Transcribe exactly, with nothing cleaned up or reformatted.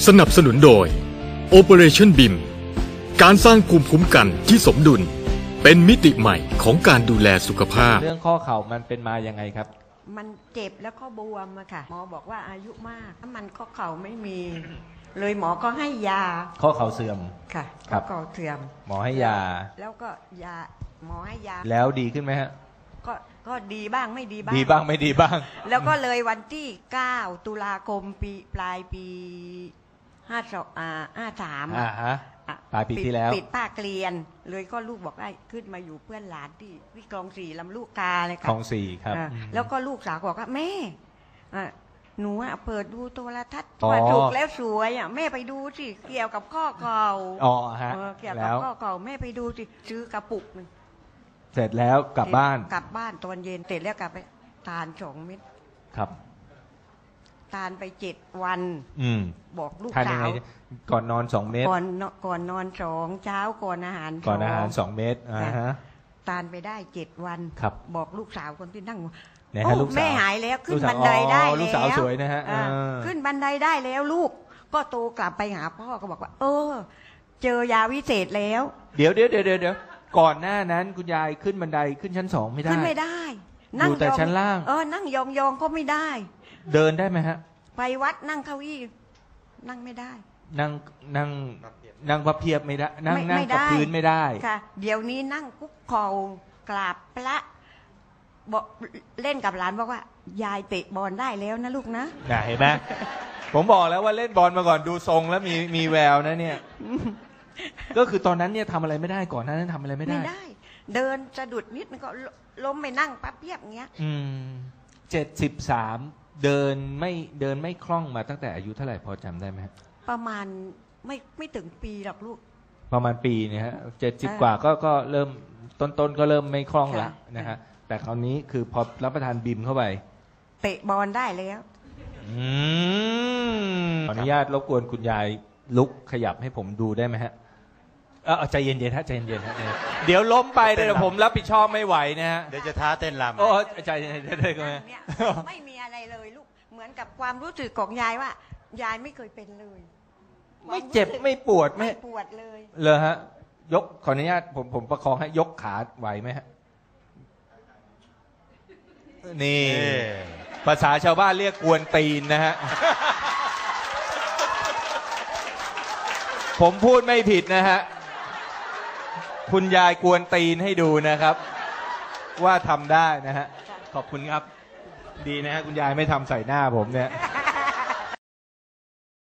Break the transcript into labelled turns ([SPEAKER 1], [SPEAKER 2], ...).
[SPEAKER 1] สนับสนุนโดย Operation บี เอ็ม การสร้างภูมิคุ้มกันที่สมดุลเป็นมิติใหม่ของการดูแลสุขภาพ
[SPEAKER 2] เรื่องข้อเข่ามันเป็นมายังไงครับ
[SPEAKER 3] มันเจ็บแล้วก็บวมอะค่ะหมอบอกว่าอายุมากถ้ามันข้อเข่าไม่มี เลยหมอก็ให้ยา
[SPEAKER 2] ข้อเข่าเสื่อม
[SPEAKER 3] ค่ะข้อเข่าเสื่อม
[SPEAKER 2] หมอให้ยา
[SPEAKER 3] แล้วก็ยาหมอให้ยา
[SPEAKER 2] แล้วดีขึ้นไหมฮะ
[SPEAKER 3] ก็ก็ดีบ้างไม่ดีบ้าง
[SPEAKER 2] ดีบ้างไม่ดีบ้าง
[SPEAKER 3] แล้วก็เลยวันที่เก้าตุลาคมปีปลายปีห้าสองอ่าห้าสาม
[SPEAKER 2] อ่าฮะปลายปีที่แล้ว
[SPEAKER 3] ปิดป้าเกลียนเลยก็ลูกบอกได้ขึ้นมาอยู่เพื่อนหลานที่ที่คลองสี่ลำลูกกาเลยค่ะ
[SPEAKER 2] คลองสี่ครับ
[SPEAKER 3] แล้วก็ลูกสาวบอกว่าแม่หนูอ่ะเปิดดูโทรทัศน์ว่าถูกแล้วสวยอ่ะแม่ไปดูสิเกี่ยวกับข้อเข่า
[SPEAKER 2] อ๋อฮะ
[SPEAKER 3] เกี่ยวกับข้อเข่าแม่ไปดูสิซื้อกระปุกนึง
[SPEAKER 2] เสร็จแล้วกลับบ้าน
[SPEAKER 3] กลับบ้านตอนเย็นเสร็จแล้วกลับไปทานสองเม็ด
[SPEAKER 2] ครับ
[SPEAKER 3] ทานไปเจ็ดวัน
[SPEAKER 2] อืม
[SPEAKER 3] บอกลูก
[SPEAKER 2] สาวก่อนนอนสองเม็ด
[SPEAKER 3] ก่อนก่อนนอนสองเช้าก่อนอาหาร
[SPEAKER 2] ก่อนอาหารสองเม็ดอ่าฮะ
[SPEAKER 3] ทานไปได้เจ็ดวัน
[SPEAKER 2] ครับ
[SPEAKER 3] บอกลูกสาวคนที่นั่ง
[SPEAKER 2] โอ้
[SPEAKER 3] แม่หายแล้วขึ้นบันไดได้แล้ว
[SPEAKER 2] ลูกสาวสวยนะฮะ
[SPEAKER 3] ขึ้นบันไดได้แล้วลูกก็โตกลับไปหาพ่อก็บอกว่าเออเจอยาวิเศษแล้ว
[SPEAKER 2] เดี๋ยวเดี๋ยวเดี๋ยวเดี๋ยวก่อนหน้านั้นคุณยายขึ้นบันไดขึ้นชั้นสองไม่ได้
[SPEAKER 3] ขึ้นไม่ได้
[SPEAKER 2] นั่งแต่ชั้นล่าง
[SPEAKER 3] เออนั่งยองๆก็ไม่ได้
[SPEAKER 2] เดินได้ไหมฮะ
[SPEAKER 3] ไปวัดนั่งเก้าอี้นั่งไม่ได้
[SPEAKER 2] นั่งนั่งนั่งพับเพียบไม่ได้นั่งนั่งกับพื้นไม่ได้
[SPEAKER 3] ค่ะเดี๋ยวนี้นั่งคุกเข่ากราบพระบอกเล่นกับหลานบอกว่ายายเตะบอลได้แล้วนะลูกนะ
[SPEAKER 2] เห็นไหมผมบอกแล้วว่าเล่นบอลมาก่อนดูทรงแล้วมีมีแววนะเนี่ยก็คือตอนนั้นเนี่ยทำอะไรไม่ได้ก่อนนั้นทำอะไรไม่ได้
[SPEAKER 3] ไม่ได้เดินสะดุดนิดมันก็ล้มไปนั่งปั๊บเพียบเงี้ย
[SPEAKER 2] อืมเจ็ดสิบสามเดินไม่เดินไม่คล่องมาตั้งแต่อายุเท่าไหร่พอจำได้ไหม
[SPEAKER 3] ประมาณไม่ไม่ถึงปีหรอกลูก
[SPEAKER 2] ประมาณปีเนี่ยฮะเจ็ดสิบกว่าก็ก็เริ่มต้นๆก็เริ่มไม่คล่องแล้วนะฮะแต่คราวนี้คือพอรับประทานบิมเข้าไป
[SPEAKER 3] เตะบอลได้แล้ว
[SPEAKER 2] อืมขออนุญาตรบกวนคุณยายลุกขยับให้ผมดูได้ไหมฮะเออใจเย็นๆฮะใจเย็นๆฮะเดี๋ยวล้มไปเดี๋ยวผมรับผิดชอบไม่ไหวนะฮะ
[SPEAKER 4] เดี๋ยวจะท้าเต้นรำ
[SPEAKER 2] โอ้ใจเย็นๆได้ไหม
[SPEAKER 3] ไม่มีอะไรเลยลูกเหมือนกับความรู้สึกของยายว่ายายไม่เคยเป็นเลย
[SPEAKER 2] ไม่เจ็บไม่ปวด
[SPEAKER 3] ไม่ปวดเลย
[SPEAKER 2] เลยฮะยกขออนุญาตผมผมประคองให้ยกขาไหวไหมฮะนี่ภาษาชาวบ้านเรียกกวนตีนนะฮะผมพูดไม่ผิดนะฮะคุณยายกวนตีนให้ดูนะครับว่าทำได้นะฮะขอบคุณครับดีนะฮะคุณยายไม่ทำใส่หน้าผมเนี่ย